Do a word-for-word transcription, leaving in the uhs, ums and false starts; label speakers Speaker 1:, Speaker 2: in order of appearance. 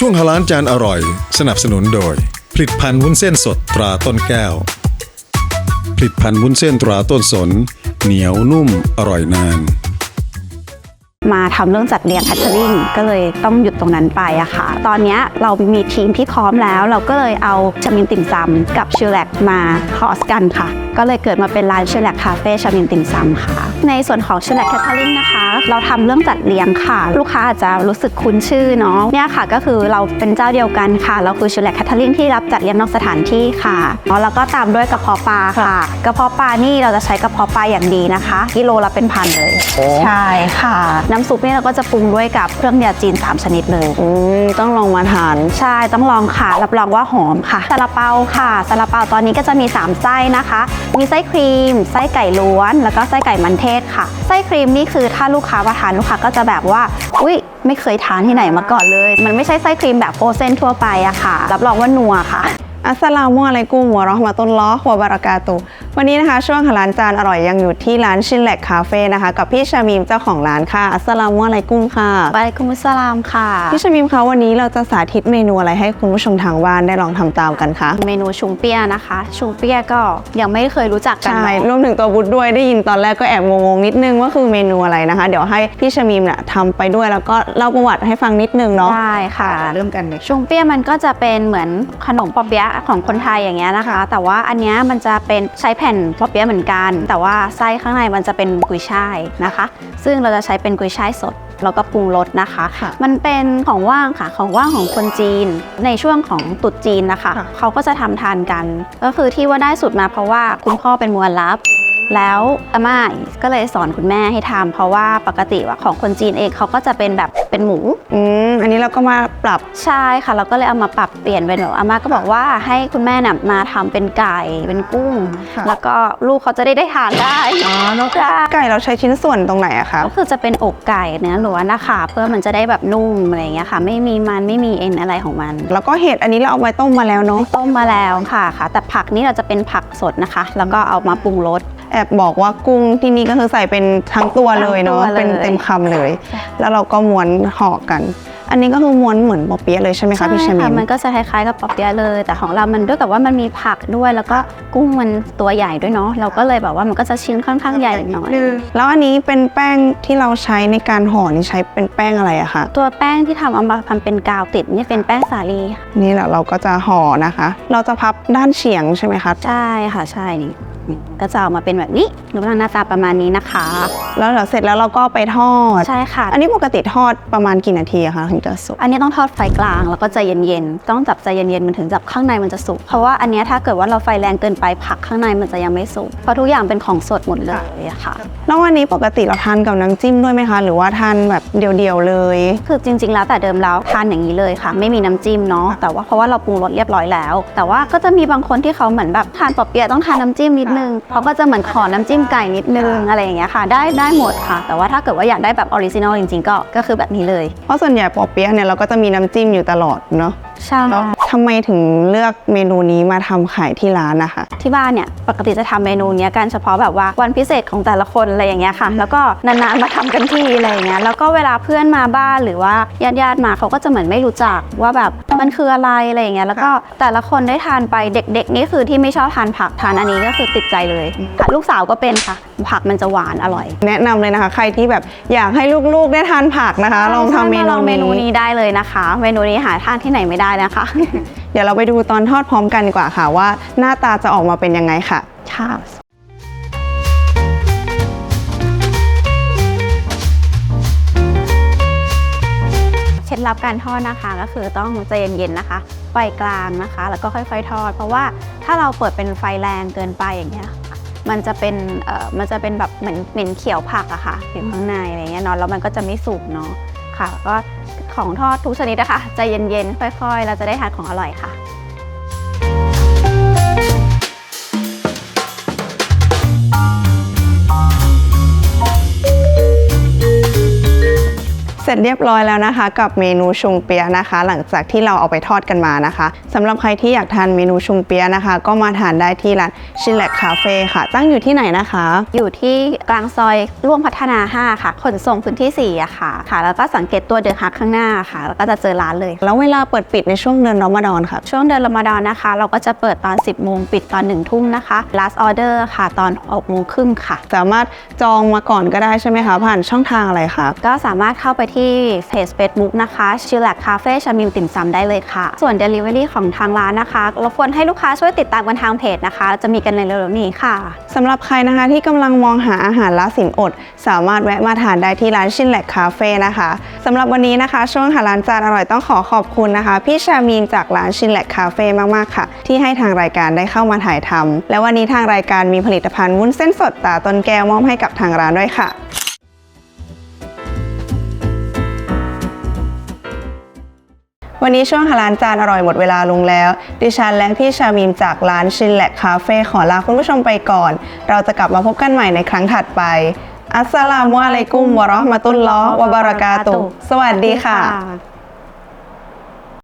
Speaker 1: ช่วงฮาลาลจานอร่อยสนับสนุนโดยผลิตภัณฑ์วุ้นเส้นสดตราต้นแก้วผลิตภัณฑ์วุ้นเส้นตราต้นสนเหนียวนุ่มอร่อยนาน
Speaker 2: มาทำเรื่องจัดเรียงแคทเทอริงก็เลยต้องหยุดตรงนั้นไปอะค่ะตอนนี้เรามีทีมที่พร้อมแล้วเราก็เลยเอาชามินติ่มซำกับชิลแลกมาคอสกันค่ะก็เลยเกิดมาเป็นร้านชิลแลกคาเฟ่ชามินติ่มซำค่ะในส่วนของชิลแลกแคทเทอริงนะคะเราทำเรื่องจัดเรียงค่ะลูกค้าอาจจะรู้สึกคุ้นชื่อเนาะเนี่ยค่ะก็คือเราเป็นเจ้าเดียวกันค่ะเราคือชิลแลกแคทเทอริงที่รับจัดเรียงนอกสถานที่ค่ะแล้วก็ตามด้วยกระเพาะปลาค่ะกระเพาะปลานี่เราจะใช้กระเพาะปลาอย่างดีนะคะกิโลละเป็นพันเลยใช่ค่ะน้ำซุปนี่เราก็จะปรุงด้วยกับเครื่องยาจีนสามชนิดเลย
Speaker 3: อืมต้องลองมาทาน
Speaker 2: ใช่ต้องลองค่ะรับรองว่าหอมค่ะซาลาเปาค่ะซาลาเปาตอนนี้ก็จะมีสามไส้นะคะมีไส้ครีมไส้ไก่ล้วนแล้วก็ไส้ไก่มันเทศค่ะไส้ครีมนี่คือถ้าลูกค้ามาทานลูกค้าก็จะแบบว่าอุ๊ยไม่เคยทานที่ไหนมาก่อนเลยมันไม่ใช่ไส้ครีมแบบโฟรเซนทั่วไปอะค่ะรับรองว่านัวค่ะ
Speaker 3: อัสสลามุอะลัยกุมวะเราะห์มะตุลลอฮ์วะบะเราะกาตุฮ์วันนี้นะคะช่วงฮาลาลจานอร่อยยังอยู่ที่ร้านชิลแลกคาเฟ่นะคะกับพี่ชามีมเจ้าของร้านค่ะอัสสลามุอะลัยกุมค่ะ
Speaker 2: วะอะลัยกุมุสสลามค่ะ
Speaker 3: พี่ชามีมคะวันนี้เราจะสาธิตเมนูอะไรให้คุณผู้ชมทางบ้านได้ลองทำตามกันคะ
Speaker 2: เมนูชุงเปียนะคะชุงเปียก็ยังไม่เคยรู้จักกัน
Speaker 3: ใช่รวมถึงตัวบุตด้วยได้ยินตอนแรกก็แอบงงๆนิดนึงว่าคือเมนูอะไรนะคะเดี๋ยวให้พี่ชามีมเนี่ยทำไปด้วยแล้วก็เล่าประวัติให้ฟังนิดนึงเนาะ
Speaker 2: ได้ค่ะ
Speaker 3: เริ่มกันเลย
Speaker 2: ชุงเปียมันก็จะเป็นเหมือนขนมปอเปี๊ยะของคนไทยอย่างเงี้ยนะคะแต่ว่าอันเนี้ยมันจะเป็นใช้แผ่นปอเปี๊ยะเหมือนกันแต่ว่าไส้ข้างในมันจะเป็นกุยช่ายนะคะซึ่งเราจะใช้เป็นกุยช่ายสดแล้วก็ปรุงรสนะคะมันเป็นของว่างค่ะของว่างของคนจีนในช่วงของตรุษจีนนะคะเขาก็จะทำทานกันก็คือที่ว่าได้สูตรมาเพราะว่าคุณพ่อเป็นมุอัลลัฟแล้วอาม่าก็เลยสอนคุณแม่ให้ทำเพราะว่าปกติว่าของคนจีนเองเขาก็จะเป็นแบบเป็นหมู
Speaker 3: อืมอันนี้เราก็มาปรับ
Speaker 2: ใช่ค่ะเราก็เลยเอามาปรับเปลี่ยนเป็นแบบอาม่าก็บอกว่าให้คุณแม่น่ะมาทำเป็นไก่เป็นกุ้งแล้วก็ลูกเขาจะได้ได้ทานได้
Speaker 3: อ๋อนกไก่เราใช้ชิ้นส่วนตรงไหนอะคะ
Speaker 2: ก็คือจะเป็นอกไก่เนื้อล้วนนะคะเพื่อมันจะได้แบบนุ่มอะไรอย่างเงี้ยค่ะไม่มีมันไม่มีเอ็นอะไรของมัน
Speaker 3: แล้วก็เห็ดอันนี้เราเอาไว้ต้มมาแล้วเนาะ
Speaker 2: ต้มมาแล้วค่ะค่ะแต่ผักนี้เราจะเป็นผักสดนะคะแล้วก็เอามาปรุงรส
Speaker 3: แอบบอกว่ากุ้งที่นี่ก็คือใส่เป็นทั้งตัวเลยเนาะเป็นเต็มคำเลยแล้วเราก็ม้วนห่อกันอันนี้ก็คือม้วนเหมือนปอเปี๊ยะเลยใช่ไหมคะพี่ชามี
Speaker 2: มันก็จะคล้ายๆกับปอเปี๊ยะเลยแต่ของเรามันด้วยกับว่ามันมีผักด้วยแล้วก็กุ้งมันตัวใหญ่ด้วยเนาะเราก็เลยแบบว่ามันก็จะชิ้นค่อนข้างใหญ่หน่อย
Speaker 3: แล้วอันนี้เป็นแป้งที่เราใช้ในการห่อนี่ใช้เป็นแป้งอะไรอะคะ
Speaker 2: ตัวแป้งที่ทำเอามาทำเป็นกาวติดนี่เป็นแป้งสาลี
Speaker 3: นี่แหละเราก็จะห่อนะคะเราจะพับด้านเฉียงใช่ไหมคะ
Speaker 2: ใช่ค่ะใช่นี่ก็จะออกมาเป็นแบบนี้รูปร่างหน้าตาประมาณนี้นะคะ
Speaker 3: แล้วเดี๋ยวเสร็จแล้วเราก็ไปทอด
Speaker 2: ใช่ค่ะ
Speaker 3: อันนี้ปกติทอดประมาณกี่นาทีอะคะถึงจะสุก
Speaker 2: อันนี้ต้องทอดไฟกลางแล้วก็ใจเย็นๆต้องจับใจเย็นๆมันถึงจับข้างในมันจะสุกเพราะว่าอันนี้ถ้าเกิดว่าเราไฟแรงเกินไปผักข้างในมันจะยังไม่สุกเพราะทุกอย่างเป็นของสดหมดเลยอะค่ะ
Speaker 3: แล้ววันนี้ปกติเราทานกับน้ำจิ้มด้วยไหมคะหรือว่าทานแบบเดียวๆเลย
Speaker 2: คือจริงๆแล้วแต่เดิมแล้วทานอย่างนี้เลยค่ะไม่มีน้ำจิ้มเนาะแต่ว่าเพราะว่าเราปรุงรสเรียบร้อยแล้วแต่ว่าก็จะมีบางคนที่เขาเหมือนแบบทานปอเปี๊ยะต้องทานน้ำจิ้มนิดนึงเขาก็จะเหมือนขอน้ำจิ้มไก่นิดนึงอะไรอย่างเงี้ยค่ะได้ได้หมดค่ะแต่ว่าถ้าเกิดว่าอยากได้แบบออริจินอลจริงๆก็ก็คือแบบนี้เลย
Speaker 3: เพราะส่วนใหญ่ปอเปี๊ยะเนี่ยเราก็จะมีน้ำจิ้มอยู่ตลอดเนาะ
Speaker 2: ใช่
Speaker 3: ทำไมถึงเลือกเมนูนี้มาทำขายที่ร้านนะคะ
Speaker 2: ที่บ้านเนี่ยปกติจะทำเมนูนี้กันเฉพาะแบบว่าวันพิเศษของแต่ละคนอะไรอย่างเงี้ยค่ะแล้วก็นานๆมาทำกันทีอะไรอย่างเงี้ยแล้วก็เวลาเพื่อนมาบ้านหรือว่าญาติๆมาเขาก็จะเหมือนไม่รู้จักว่าแบบมันคืออะไรอะไรอย่างเงี้ยแล้วก็แต่ละคนได้ทานไปเด็กๆนี่คือที่ไม่ชอบทานผักทานอันนี้ก็คือติดใจเลยลูกสาวก็เป็นค่ะผักมันจะหวานอร่อย
Speaker 3: แนะนำเลยนะคะใครที่แบบอยากให้ลูกๆได้ทานผักนะคะลองทำเมนู
Speaker 2: เมนูนี้ได้เลยนะคะเมนูนี้หาทานที่ไหนไม่ได้นะคะ
Speaker 3: เดี๋ยวเราไปดูตอนทอดพร้อมกันดีกว่าค่ะว่าหน้าตาจะออกมาเป็นยังไงค่ะ
Speaker 2: ค่ะเคล็ดลับการทอดนะคะก็คือต้องใจเย็นๆนะคะไฟกลางนะคะแล้วก็ค่อยๆทอดเพราะว่าถ้าเราเปิดเป็นไฟแรงเกินไปอย่างเงี้ยมันจะเป็นเอ่อมันจะเป็นแบบเหมือนเหม็นเขียวผักอะค่ะอยู่ข้างในอะไรเงี้ยเนาะแล้วมันก็จะไม่สุกเนาะค่ะก็ของทอดทุกชนิดนะคะใจเย็นๆค่อยๆเราจะได้ทานของอร่อยค่ะ
Speaker 3: เสร็จเรียบร้อยแล้วนะคะกับเมนูชุงเปียะนะคะ หลังจากที่เราเอาไปทอดกันมานะคะสำหรับใครที่อยากทานเมนูชุงเปียะนะคะ ก็มาทานได้ที่ร้านชิลแลกคาเฟ่ค่ะตั้งอยู่ที่ไหนนะคะ
Speaker 2: อยู่ที่กลางซอยร่วมพัฒนาห้าค่ะขนส่งพื้นที่สี่อะค่ะค่ะ แล้วก็สังเกตตัวเดอะฮักข้างหน้าค่ะแล้วก็จะเจอร้านเลย
Speaker 3: แล้วเวลาเปิดปิดในช่วงเดือนรอมฎอนค่ะ
Speaker 2: ช่วงเดือนรอมฎอนนะคะ เราก็จะเปิดตอน สิบโมงปิดตอนหนึ่งทุ่มนะคะ last order ค่ะตอนหกโมงครึ่งค่ะ
Speaker 3: สามารถจองมาก่อนก็ได้ใช่ไหมคะผ่านช่องทางอะไรคะ
Speaker 2: ก็สามารถเข้าไปที่เพจ Facebook นะคะชิลแลกคาเฟ่ชามิมติ่มซำได้เลยค่ะส่วน Delivery ของทางร้านนะคะรบกวนให้ลูกค้าช่วยติดตามกันทางเพจนะคะจะมีกันในเร็วๆนี้ค่ะ
Speaker 3: สำหรับใครนะคะที่กำลังมองหาอาหารละสินอดสามารถแวะมาทานได้ที่ร้านชินแลกคาเฟ่นะคะสำหรับวันนี้นะคะช่วงหาร้านจานอร่อยต้องขอขอบคุณนะคะพี่ชามีนจากร้านชินแลกคาเฟ่มากๆค่ะที่ให้ทางรายการได้เข้ามาถ่ายทำและวันนี้ทางรายการมีผลิตภัณฑ์วุ้นเส้นสดตาต้นแก้วมอบให้กับทางร้านด้วยค่ะวันนี้ช่วงหาร้านจานอร่อยหมดเวลาลงแล้วดิฉันและพี่ชามีมจากร้านชินแลกคาเฟ่ขอลาคุณผู้ชมไปก่อนเราจะกลับมาพบกันใหม่ในครั้งถัดไปอัสสลามุอะลัยกุมวะเราะห์มะตุลลอฮ์วะบะเราะกาตุฮ์สวัสดีค่ะ